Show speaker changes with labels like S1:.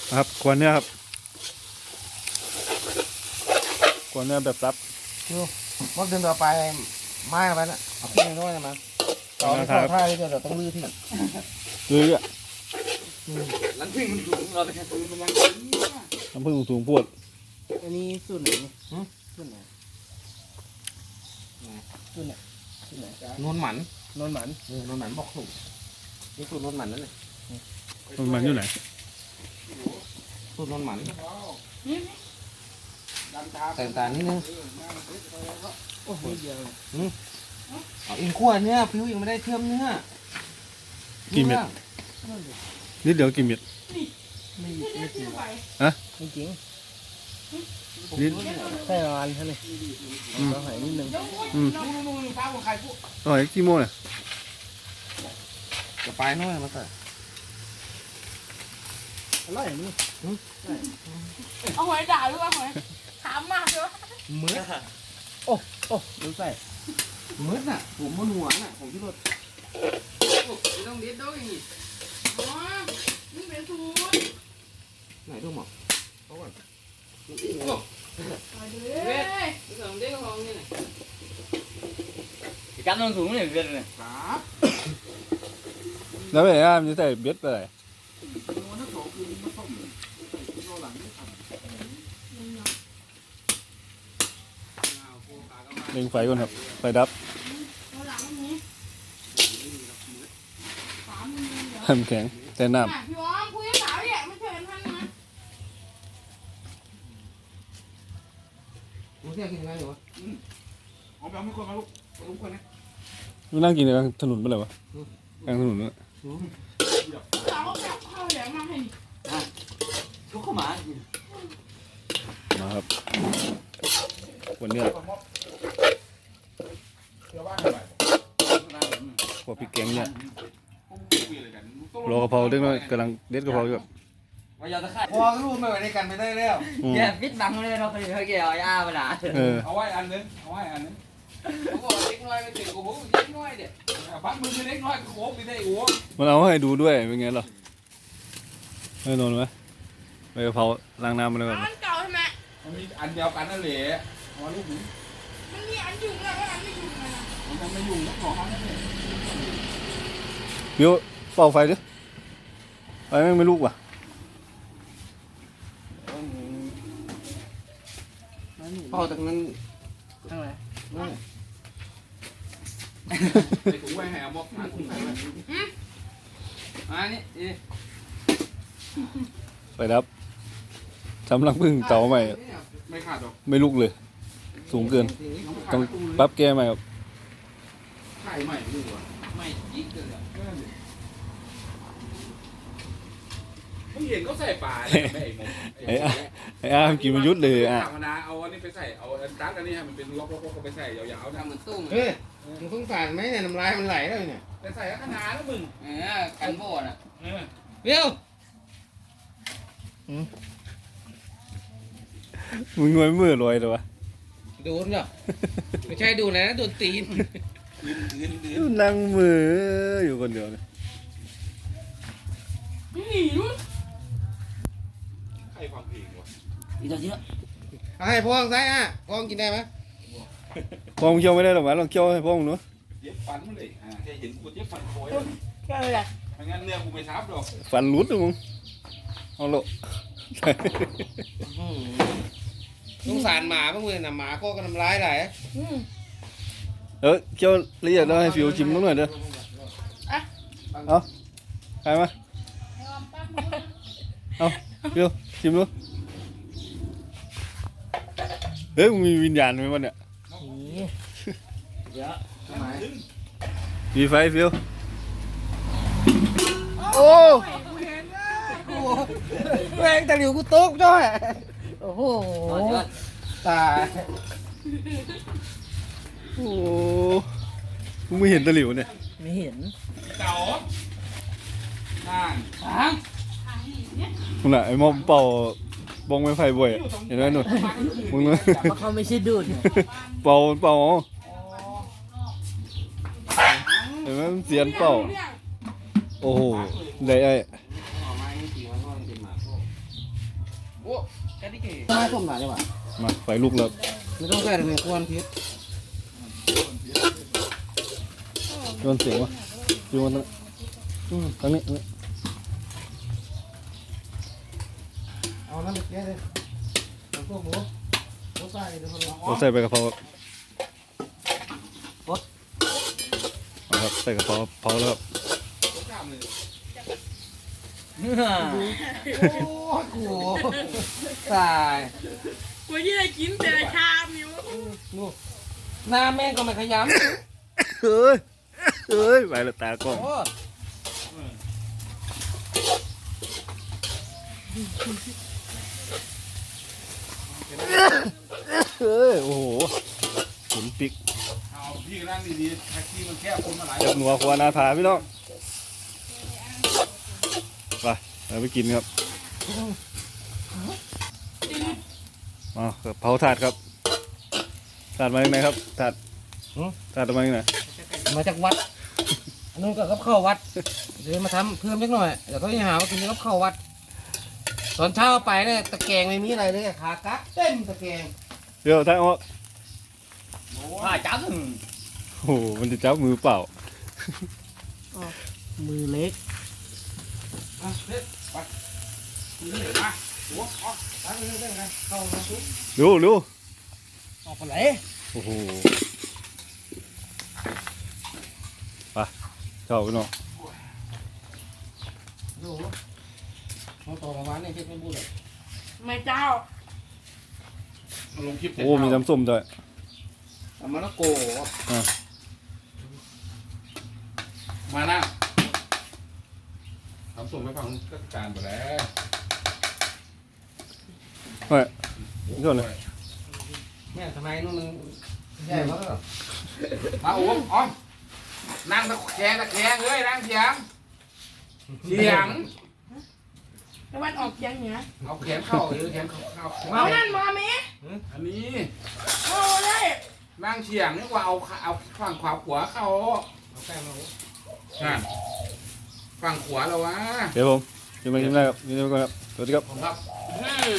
S1: ครับควนเนื้อครับควนเนื้อแบบซับ
S2: วันเดินต่อไปไม้ไปนะเอาขึ้นน้อยๆนะมันต่อท่าที่เราต้องลื้อที่
S1: เรื่อย
S3: หลังพึ่งมันสูงเราไปแค่ซื้อมันยัง
S1: น้ำผึ้งสูงปวด
S2: อันนี้ส่วนไหนส่วนไหนส่วนไหนส่วนไหนนวลหมันนวลหมันนวลหมันบอกถูกนี่สูตรนวลหมันนั่นเลย
S1: มันอยู่ไหน
S2: สูตรนวลหมันแต่งตานิดนึงโอ้โหเดียวเอาอิงขั้วเนื้อผิวยังไม่ได้เทียมเนื้อ
S1: กี่เม็ดนิดเดียวกี่เม็ด
S2: ไม่จริง
S1: ฮะ
S2: ไม่จริง
S1: นิด
S2: แค่ประมาณเท่านี้เราหายนิดนึง
S1: อ๋อกี่โมงเนี่ย
S2: จะไปน้อยมาแต่อร่อยนี่
S4: เอาหอยด่าหรือว่าหอยถามมากเลยวะ
S2: มื้อโอ้รู้ใส่มื้อน่ะผมมันหัวน่ะผมที่รถ
S3: ไม่ต้องเด็ดด้วยนี่
S4: อ๋อนี่เป็นสูตร
S2: ไหนดูหมอเขาก่อน
S4: เว้ย
S3: สองเด็กก็ห้องนี่
S5: thì cắn nó xuống này việt này
S1: แล้วไปไหนมันจะใส่เบ็ดไปไหนเล็งไฟก่อนครับไฟดับน้ำแข็งแต่น้ำ
S4: พี่อ้อมคุยกับสาวเนี่ยไม่เคยเห็นท่านนะ
S2: รู้เที่ยกินยังไงอยู่วะ
S3: เอาไปเอาไม่ควรมาลูกลูกคนนะ
S1: มันนั่งกินในถนนไปเลยวะกลางถนนเนี่ย
S4: สาวก็แบบเข้าแหลมมาให้
S5: thuốc có mà
S1: มาครับวันนี้พวกพริกแกงเนี่ยรอกระเพราเด็กน้อยกำลังเด็ดกระเพราอยู่
S5: bây giờ ta khai
S2: พอรู้ไม่ไหวในกันไม่ได้แล้ว
S5: kìa biết bằng lên đâu phải kìa ai mà đã
S3: เอาไว้อันนึงเอาไว้อันนึงเขาบอกเล็กน้อยไปถึงกูเล็กน้อยเด็ดพักมือเล็กน้อยโค้งไปได้โอ้
S1: มันเอาให้ดูด้วยเป็นไงหรอไม่นอนไหมไปกระเพราล้างน้ำมาเลยก่อน
S4: มันเก่าใช่ไหม
S3: มันมีอันเดียวกันนั่นแหละเอาลูกหนู
S4: มันมีอันยุ่งแล้วอันไม่ยุ่งเลยนะ
S3: มันไม่ยุ่งของเขาเนี่ย
S1: บิวเป่าไฟดิไฟแม่งไม่ลุกว่ะ
S2: พอจากนั้นทั้งไหน
S3: ไปถุงไว้ให้เอาบอกมาถุงไว้อันนี้
S1: ไฟดับทำรังผึ้งเตาใหม่
S3: ไม่ขาดหรอก
S1: ไม่ลุกเลยสูงเกินต้องปรับแก้ใหม่ครับ
S3: ไข่ใหม่ดีกว่าไม่ยิงกันเลยมึงเห็นเขาใส่ปลา
S1: ไอ้อากินมันยุดเลยอ่ะ
S3: ธรรมดาเอาอันนี้ไปใส่เอาตัดอันนี้ให้มันเป็นล็อกๆไปใส่ยาวๆทำเหมือนตุ้ง
S2: เฮ้ยมึงสงสารไหมเนี่ยน้ำลายมันไหลแล้วเนี่ย
S3: ไปใส่ขนาดแล้วมึง
S5: cắn bộ nè
S2: เบี้ยว
S1: มึงงวยมือลอยเลยวะ
S2: โดนเหรอไม่ใช่ดูนะโดนตีน
S1: นั่งมืออยู่คนเดียวเนี่ย
S4: หนีรุ่น
S3: ใครความผิดวะ
S5: đi ra chứ
S2: ให้พ่องใส่อ่ะพ่องกินได้ไหม
S1: พ่อมึงเคี้ยวไม่ได้หรอกวะลองเคี้ยวให้พ่อมึงดู
S3: เย็บฟันมันเลยแค่เห็นกูเย็บฟันโอย
S4: แค่อะไร
S3: ไม่งั้นเนื้อกูไม่ทับหรอก
S1: ฟันรุดเลยมึงเอาโล
S2: สงสารหมาบ้างเลยนะหมาก็กำลังร้ายไหล
S1: เคี้ยวละเอียดแล้วให้ฟิวชิมนิดหน่อยเด้อเอาใครมาเอาฟิวชิมดูเฮ้ยมึงมีวิญญาณไหมวะเนี่ยมีไฟฟิวโอ้
S2: แรงตะหลิวกูโต๊ะจ้อยโอ้โหตาย
S1: โอ้มึงไม่เห็นตะหลิวเนี่ย
S2: ไม่เห็น
S3: เก๋านั่น
S1: มึงน่ะไอ้มอมเป่าบงไม้ไฟบ่อยเห็นไหมหนุ่มมึงเลย
S2: เขาไม่ใช่ดูด
S1: เป่าเห็นไหมมันเสียนเป่าโอ้โหได้ไอ้
S3: กันดิเก๋
S2: ทำไมส้มหนาจังวะ
S1: มาไฟลุกแล้ว
S2: ไม่ต้องใส่เลยควรพิษ
S1: โดนเสียงวะอยู่ตรงนี้ตรงนี้
S2: เอาน้ำไปแก้เลยเอาพวกหมูใส่เดี๋ยวคนรอ
S1: เราใส่ไปกระเพราเอาครับใส่กระเพราเผาแล้วครับ
S2: โอ้โหตาย
S4: วันนี้ได้กินแต่ชามอยู่
S2: นู่นหน้าแม่งก็ไม่ขยำ
S1: เฮ้ยไปแล้วตากล้อง
S2: โอ้
S1: เฮ้ยโอ้โหหมุนปิก
S3: เอาพี่นั่งดีๆแท็กซี่มันแค่คนมาหลาย
S1: จับหนัวควานาถาพี่น้องไปเราไปกินครับมาเผาถาดครับถาดมาจากไหนครับถาดถาดมาจากไหน
S2: มาจากวัดอันนู้นก็กับข้าววัดเดี๋ยวมาทำเพิ่มเล็กหน่อยเดี๋ยวเขาจะหาว่ากินกับข้าววัดตอนเช้าไปเนี่ยตะแกรงไม่มีอะไรเลยขากักเต็มตะแกรง
S1: เดี๋ยวท่านออก
S5: ผ้าจับ
S1: โอ้โหมันจะจับมือเปล่า
S4: มือเล็ก
S3: เด็ดไปนี่มาหัวออก
S2: ตั้งเรื่องไงเข้ามาซุป
S1: ดู
S2: ออกไปไหน
S1: โอ้โหไปเข้าพี่น้อง
S2: ดูเขาต่อมาวันนี้เช็ดไม่พูดเลย
S4: ไม่เจ้า
S3: มาลงคลิป
S1: โอ้มีน้ำส้มด้วย
S2: เอามาแล้วโก
S3: มานั่งทำส่งไปฟังก็การไปแล้ว
S1: เฮ้ยนี่ก่อนเลย
S2: เนี่ยทำไมนู่นมันใหญ่มากเหรอ
S3: มาโอ้อ้อมนั่งตะแคงเลยนั่งเฉียง
S4: ตะวันออกเฉียงเหนือ
S3: เอาแขนเข้าแขนเข้า
S4: เอานั่นมาไหม
S3: อันนี้
S4: โอ้ได้
S3: นั่งเฉียงนี่ว่าเอาฝั่งขวาขวาเข้า
S2: เอาแป้งมา
S3: นั่นฝั่งขวาเราวะ
S1: เดี๋ยวผมกินไปกินได้ครับกินไปก่อนครับสวัสดีครับ
S3: ผมครับ